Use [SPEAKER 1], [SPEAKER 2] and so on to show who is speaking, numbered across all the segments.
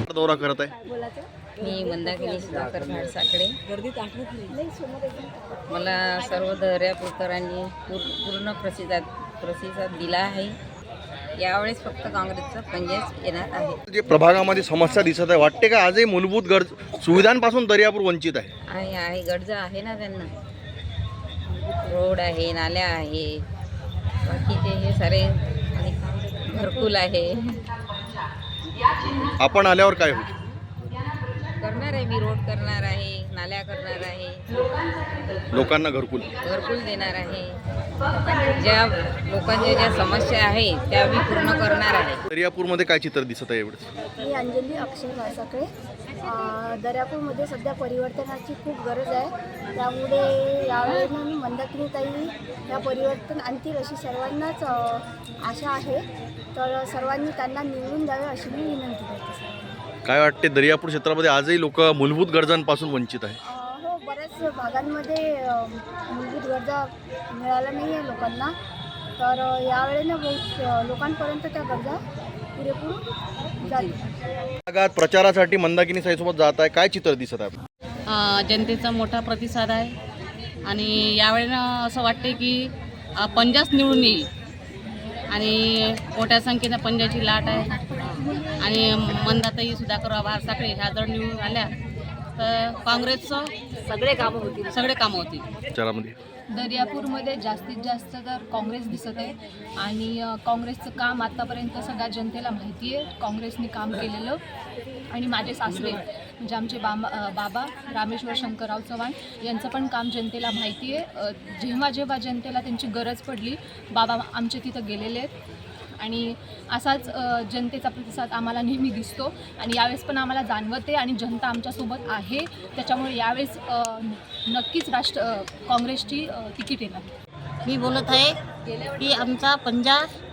[SPEAKER 1] दौरा करत आहे?
[SPEAKER 2] मी मंदाकिनी सुधाकर भाडसाकडे. मला सर्व दर्यापूरकरांनी पूर्ण प्रतिसाद दिला आहे. यावेळेस फक्त काँग्रेसचा पंजाच येणार आहे.
[SPEAKER 1] जे प्रभागामध्ये समस्या दिसत आहे, वाटते का आजही मूलभूत सुविधांपासून दर्यापूर वंचित आहे?
[SPEAKER 2] आहे गरजा आहे ना त्यांना. रोड आहे, नाल्या आहे, बाकीचे हे सारे घरकुल आहे.
[SPEAKER 1] आपण आल्यावर काय होईल?
[SPEAKER 2] करणार आहे, मी रोड करणार आहे, नाल्या करणार आहे,
[SPEAKER 1] लोकांना घरकुल
[SPEAKER 2] देणार आहे. ज्या लोकांच्या ज्या समस्या आहे त्या मी पूर्ण करणार आहे.
[SPEAKER 1] दर्यापूरमध्ये काय चित्र दिसत आहे एवढंच?
[SPEAKER 3] मी अंजली अक्षय भाडसाकडे. दर्यापूरमध्ये सध्या परिवर्तनाची खूप गरज आहे. त्यामुळे यावेळेला मी मंदाकिनीताई या परिवर्तन आणतील अशी सर्वांनाच आशा आहे. तर सर्वांनी त्यांना निवडून द्यावे अशी मी विनंती करते.
[SPEAKER 1] काय वाटते, दर्यापूर क्षेत्रामध्ये आजही लोक मूलभूत गरजांपासून वंचित आहे?
[SPEAKER 3] हो, बऱ्याच भागांमध्ये मूलभूत गरजा मिळाल्या नाही आहे लोकांना. तर यावेळेला बहुत लोकांपर्यंत त्या गरजा पुरेपूर जाईल.
[SPEAKER 1] भागात प्रचारासाठी मंदाकिनी साईसोबत जात आहे, काय चित्र दिसत आहे?
[SPEAKER 4] जनतेचा मोठा प्रतिसाद आहे आणि यावेळेला असं वाटते की पंजाच निवडून येईल आणि मोठ्या संख्येनं पंजाची लाट आहे. आणि मंदाताई सुधाकर भाडसाकडे ह्या जर निवडून आल्या तर काँग्रेसचं सगळे कामं होतील.
[SPEAKER 1] प्रचारामध्ये
[SPEAKER 5] दर्यापूरमध्ये जास्तीत जास्त तर काँग्रेस दिसत आहे आणि काँग्रेसचं काम आत्तापर्यंत सगळ्या जनतेला माहिती आहे. काँग्रेसने काम केलेलं आणि माझे सासरे म्हणजे आमचे बाबा रामेश्वर शंकरराव चव्हाण यांचं पण काम जनतेला माहिती आहे. जेव्हा जनतेला त्यांची गरज पडली बाबा आमचे तिथं गेलेले आहेत आणि असाच जनतेचा प्रतिसाद आम्हाला नेहमी दिसतो आणि यावेळेस पण आम्हाला जाणवते आणि जनता आमच्यासोबत आहे. त्याच्यामुळे यावेळेस नक्कीच काँग्रेसची तिकीट येणार.
[SPEAKER 4] मी बोलत आहे की आमचा पंजा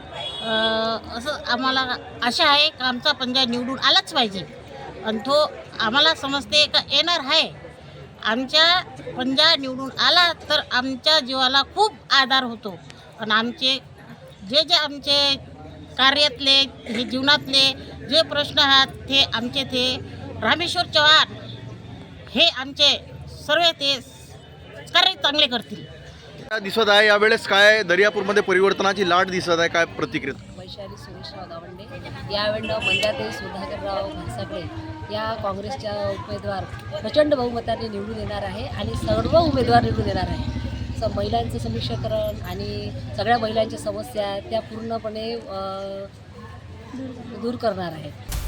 [SPEAKER 4] असं आम्हाला आशा आहे की आमचा पंजा निवडून आलाच पाहिजे आणि तो आम्हाला समजते का येणार आहे. आमच्या पंजा निवडून आला तर आमच्या जीवाला खूप आधार होतो आणि आमचे जे आमचे कार्यातले हे जीवनातले जे प्रश्न आहेत ते आमचे ते रामेश्वर चव्हाण हे आमचे सर्व ते कार्य चांगले करतील.
[SPEAKER 1] दिसत आहे यावेळेस काय दर्यापूरमध्ये परिवर्तनाची लाट दिसत आहे, काय प्रतिक्रिया?
[SPEAKER 6] वैशाली सुरेशराव गावंडे. यावेळेला मंदाताई सुधाकरराव भाडसाकडे या काँग्रेसच्या उमेदवार प्रचंड बहुमताने निवडून येणार आहे आणि सर्व उमेदवार निवडून येणार आहे. महिलांचं समीक्षाकरण आणि सगळ्या महिलांच्या समस्या त्या पूर्णपणे दूर करणार आहेत.